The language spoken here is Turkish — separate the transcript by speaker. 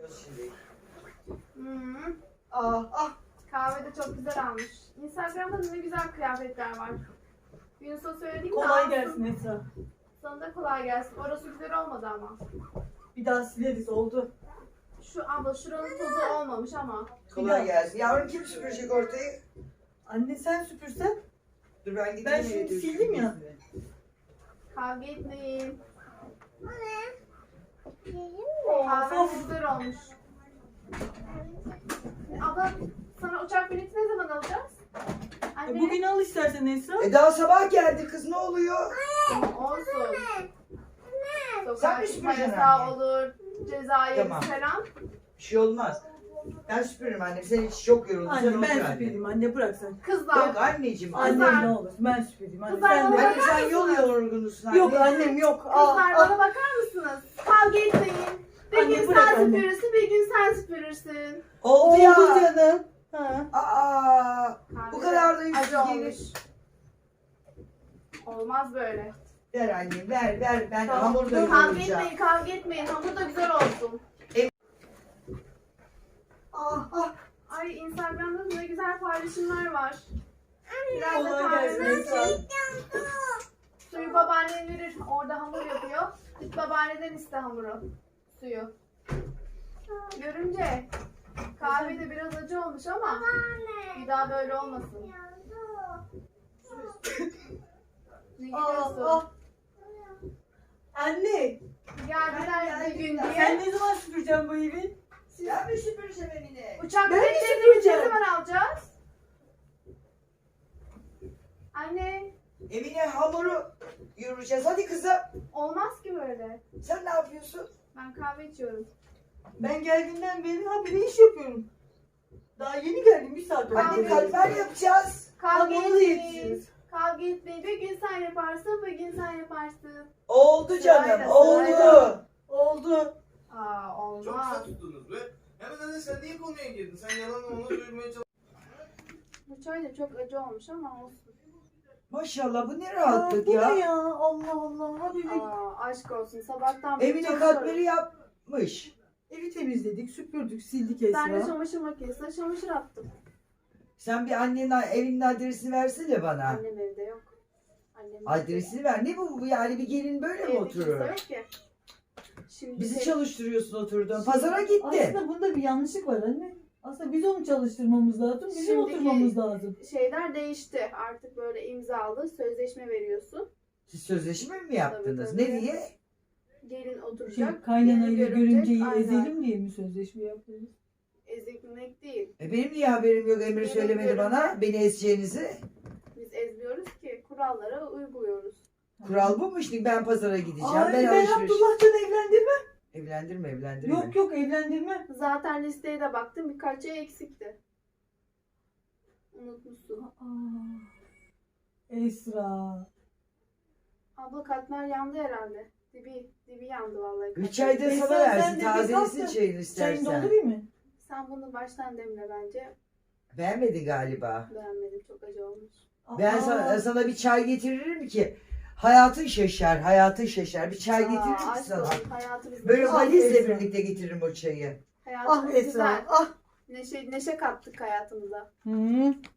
Speaker 1: Şimdi.
Speaker 2: Ah.
Speaker 3: Kahve de çok güzel almış. Instagram'da ne güzel kıyafetler var. Yunus'a söylediğim de
Speaker 2: Kolay
Speaker 3: alsın.
Speaker 2: gelsin Esra.
Speaker 3: Sana da kolay gelsin. Orası güzel olmadı ama.
Speaker 2: Bir daha sileriz oldu.
Speaker 3: Şu abla şuranın tozu olmamış ama.
Speaker 1: Kolay gelsin. Yavrum kim süpürecek ortayı?
Speaker 2: Anne sen süpürsen.
Speaker 1: Dur ben gideyim.
Speaker 2: Ben şimdi
Speaker 1: evde
Speaker 2: sildim ya.
Speaker 1: süpüreyim.
Speaker 3: Kavga etmeyin.
Speaker 2: Of
Speaker 3: Kahve
Speaker 2: of.
Speaker 3: güzel olmuş. Abla sana uçak bileti ne zaman alacağız? Anne.
Speaker 2: Bugün al istersen Esra.
Speaker 1: Daha sabah geldi kız, ne oluyor?
Speaker 3: Olsun.
Speaker 1: Sen
Speaker 3: Sokağa
Speaker 1: mi
Speaker 3: çıkma
Speaker 1: süpüreceksin
Speaker 3: yasağı
Speaker 1: anne?
Speaker 3: olur. Ceza yeriz
Speaker 1: Tamam.
Speaker 3: falan.
Speaker 1: Bir şey olmaz. Ben süpürürüm annem. Sen hiç çok yoruldun. Sen
Speaker 2: Anne
Speaker 1: otur
Speaker 2: ben
Speaker 1: anne.
Speaker 2: süpüreyim anne bırak sen.
Speaker 3: Kızlar.
Speaker 1: Yok anneciğim.
Speaker 2: Annem ne olur ben süpüreyim. Anne
Speaker 3: Kızlar
Speaker 2: sen de.
Speaker 3: bana
Speaker 1: Anne sen yol yorgunusun anne.
Speaker 2: Yok annem yok.
Speaker 3: Kızlar bana bakar mısınız? Kavga etmeyin. Bir
Speaker 2: Anne,
Speaker 3: gün
Speaker 2: bırak
Speaker 3: sen
Speaker 2: anne.
Speaker 3: süpürürsün, bir gün sen süpürürsün.
Speaker 1: Oldu ya.
Speaker 2: canım. Ha.
Speaker 1: Aa, bu kadar da
Speaker 3: Acı
Speaker 1: yüzsüz
Speaker 3: olmuş.
Speaker 1: gelir.
Speaker 3: Olmaz böyle.
Speaker 1: Ver anne ver. Ben
Speaker 2: Tamam.
Speaker 1: hamurda
Speaker 3: Kavga
Speaker 1: yoğuracağım.
Speaker 3: etmeyin, kavga etmeyin. Hamur da güzel olsun.
Speaker 2: Ah.
Speaker 3: Ay Instagram'da ne güzel paylaşımlar var. Biraz da
Speaker 2: Kolay gelsin
Speaker 3: kahve
Speaker 2: Esra.
Speaker 3: Suyu babaannen verir. Orada hamur yapıyor. Git babaanneden iste hamuru. Suyu. Görünce kahve de biraz acı olmuş ama bir daha böyle olmasın. Ne gidiyorsun?
Speaker 2: Anne.
Speaker 3: Geldiler bir gün
Speaker 2: Sen
Speaker 3: diye.
Speaker 2: ne zaman süpüreceksin bu evi?
Speaker 1: Ben mi süpüreceğim evini?
Speaker 3: Uçak
Speaker 2: Ben mi
Speaker 3: biletlerini ne
Speaker 2: süpüreceğim?
Speaker 3: zaman alacağız? Anne,
Speaker 1: Evine hamuru yoğuracağız. Hadi kızım.
Speaker 3: olmaz ki böyle.
Speaker 1: Sen ne yapıyorsun?
Speaker 3: Ben kahve içiyorum.
Speaker 2: Ben geldiğimden beri habire iş yapıyorum. Daha yeni geldim bir saat oldu.
Speaker 1: Anne katmer yapacağız.
Speaker 3: Kavga
Speaker 2: Hamuru da
Speaker 3: etmeyin.
Speaker 2: yetişiriz.
Speaker 3: Kavga etmeyin. Bir gün sen yaparsın, bir gün sen yaparsın.
Speaker 1: Oldu canım.
Speaker 3: Sırayla,
Speaker 1: Oldu.
Speaker 3: sırayla.
Speaker 2: Oldu.
Speaker 3: Aa,
Speaker 4: Çok kısa
Speaker 3: olmaz.
Speaker 4: tuttunuz be. Hemen anne sen niye konuya girdin? Sen yalan onu duyurmaya çalışıyorsun.
Speaker 3: Bu çay da çok acı olmuş ama olsun.
Speaker 1: Maşallah bu ne
Speaker 2: Aa,
Speaker 1: rahatlık
Speaker 2: bu
Speaker 1: ya.
Speaker 2: ne ya? Allah Allah. Habibim.
Speaker 3: Aa, aşk olsun. Sabahtan beri
Speaker 1: Evine
Speaker 3: çalışıyorum.
Speaker 1: katmeri yapmış.
Speaker 2: Evi temizledik, süpürdük, sildik
Speaker 3: Ben de
Speaker 2: Esra.
Speaker 3: çamaşır makinesine çamaşır attım.
Speaker 1: Sen bir annenin evinin adresini versene bana.
Speaker 3: Annem evde yok. Annem
Speaker 1: Adresini ver. Ne bu yani, bir gelin böyle mi
Speaker 3: evde
Speaker 1: oturur?
Speaker 3: kimse yok ki. Şimdi
Speaker 1: Bizi
Speaker 3: şey-
Speaker 1: çalıştırıyorsun oturdun. Pazara gitti.
Speaker 2: Aslında bunda bir yanlışlık var anne. Aslında biz onu çalıştırmamız lazım, bizim
Speaker 3: Şimdiki-
Speaker 2: oturmamız lazım.
Speaker 3: şeyler değişti. Artık böyle imzalı sözleşme veriyorsun.
Speaker 1: Siz sözleşme mi yaptınız?
Speaker 3: Tabii, tabii.
Speaker 1: Ne diye?
Speaker 3: Gelin oturacak.
Speaker 2: Kaynanayla
Speaker 3: gelin görecek,
Speaker 2: görümceyi
Speaker 3: aynen.
Speaker 2: ezelim diye mi sözleşme yapıyoruz?
Speaker 3: Ezilmek değil.
Speaker 1: Benim niye haberim yok? Emre
Speaker 3: Benim
Speaker 1: söylemedi
Speaker 3: görünce-
Speaker 1: bana. Beni ezeceğinizi.
Speaker 3: Biz ezmiyoruz ki. Kurallara uyguluyoruz.
Speaker 1: Kural bu mu şimdi? Ben pazara gideceğim.
Speaker 2: Ay
Speaker 1: ben
Speaker 2: ben
Speaker 1: alışveriş.
Speaker 2: Abdullah'tan evlendirme.
Speaker 1: Evlendirme.
Speaker 2: Yok evlendirme.
Speaker 3: Zaten listeye de baktım. Birkaç şey eksikti. Unutmuşsun.
Speaker 2: Esra.
Speaker 3: Abla katmer yandı herhalde. Dibi yandı vallahi.
Speaker 1: Bir
Speaker 3: katmer.
Speaker 1: çay da
Speaker 2: Esra,
Speaker 1: sana
Speaker 2: sen
Speaker 1: versin.
Speaker 2: de bir
Speaker 1: Tazelesin
Speaker 2: kalk da
Speaker 1: çayını
Speaker 2: Çayını
Speaker 1: istersen.
Speaker 2: doldurayım mı?
Speaker 3: Sen bunu baştan demle bence.
Speaker 1: Beğenmedin galiba.
Speaker 3: Beğenmedim. Çok acı olmuş.
Speaker 1: Ben sana bir çay getiririm ki hayatın şaşar. Hayatın şaşar. Bir çay getiririm ki
Speaker 3: aşk
Speaker 1: sana.
Speaker 3: olsun, hayatımız
Speaker 1: Böyle
Speaker 3: güzel.
Speaker 1: valizle
Speaker 2: Esra.
Speaker 1: birlikte getiririm o çayı.
Speaker 3: Hayatımız
Speaker 2: Ah Esra.
Speaker 3: güzel.
Speaker 2: Ah.
Speaker 3: Neşe kattık hayatımıza.
Speaker 2: Hı.